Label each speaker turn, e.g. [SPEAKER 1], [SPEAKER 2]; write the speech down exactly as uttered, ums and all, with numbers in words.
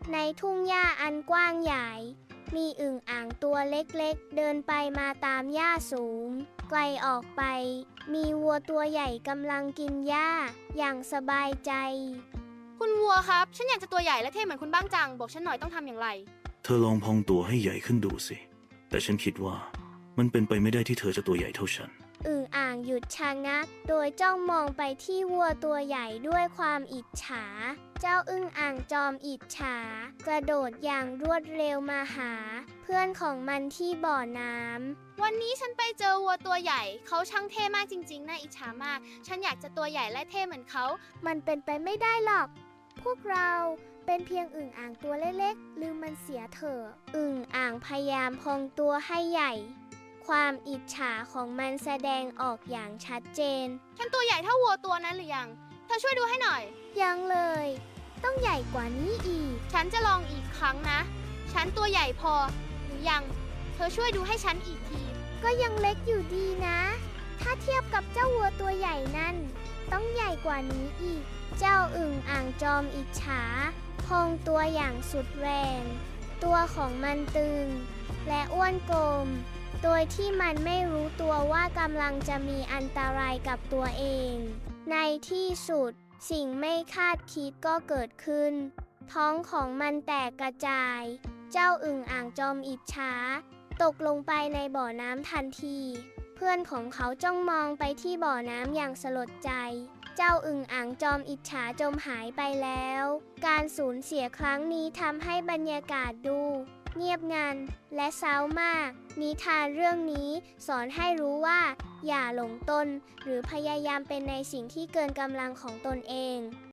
[SPEAKER 1] ในทุ่งหญ้าอันกว้างใหญ่ มีอึ่งอ่างตัวเล็กๆเดินไปมาตามหญ้าสูง ไกลออกไป มีวัวตัวใหญ่กำลังกินหญ้าอย่างสบายใจ
[SPEAKER 2] คุณวัวครับ ฉันอยากจะตัวใหญ่และเท่เหมือนคุณบ้างจัง บอกฉันหน่อยต้องทำอย่างไร
[SPEAKER 3] เธอลองพองตัวให้ใหญ่ขึ้นดูสิ แต่ฉันคิดว่ามันเป็นไปไม่ได้ที่เธอจะตัวใหญ่เท่าฉัน
[SPEAKER 1] อึ่งอ่างหยุดชะงัก โดยจ้องมองไปที่วัวตัวใหญ่ด้วยความอิจฉา เจ้าอึ่งอ่างจอมอิจฉากระโดดอย่างรวดเร็วมาหา เพื่อนของมันที่บ่อน้ำ
[SPEAKER 2] วันนี้ฉันไปเจอวัวตัวใหญ่ เขาช่างเท่มากจริงๆ น่าอิจฉามาก ฉันอยากจะตัวใหญ่และเท่เหมือนเขา
[SPEAKER 1] มันเป็นไปไม่ได้หรอก พวกเราเป็นเพียงอึ่งอ่างตัวเล็กๆลืมมันเสียเถอะอึ่งอ่างพยายามพองตัวให้ใหญ่ ความอิจฉาของมันแสดงออกอย่างชัดเจน
[SPEAKER 2] ฉันตัวใหญ่เท่าวัวตัวนั้นหรือยัง เธอช่วยดูให้หน่อย
[SPEAKER 1] ยังเลย ต้องใหญ่กว่านี้อีก
[SPEAKER 2] ฉันจะลองอีกครั้งนะ ฉันตัวใหญ่พอ หรือยัง เธอช่วยดูให้ฉันอีกที
[SPEAKER 1] ก็ยังเล็กอยู่ดีนะ ถ้าเทียบกับเจ้าวัวตัวใหญ่นั่น ต้องใหญ่กว่านี้อีก เจ้าอึ่งอ่างจอมอิจฉาพองตัวอย่างสุดแรง ตัวของมันตึง และอ้วนกลม โดยที่มันไม่รู้ตัวว่ากำลังจะมีอันตรายกับตัวเอง ในที่สุดสิ่งไม่คาดคิดก็เกิดขึ้น ท้องของมันแตกกระจาย เจ้าอึ่งอ่างจอมอิจฉาตกลงไปในบ่อน้ำทันที เพื่อนของเขาจ้องมองไปที่บ่อน้ำอย่างสลดใจ เจ้าอึ่งอ่างจอมอิจฉาจมหายไปแล้ว การสูญเสียครั้งนี้ทำให้บรรยากาศดู เงียบงันและเศร้ามาก นิทานเรื่องนี้สอนให้รู้ว่า อย่าหลงตนหรือพยายามเป็นในสิ่งที่เกินกำลังของตนเอง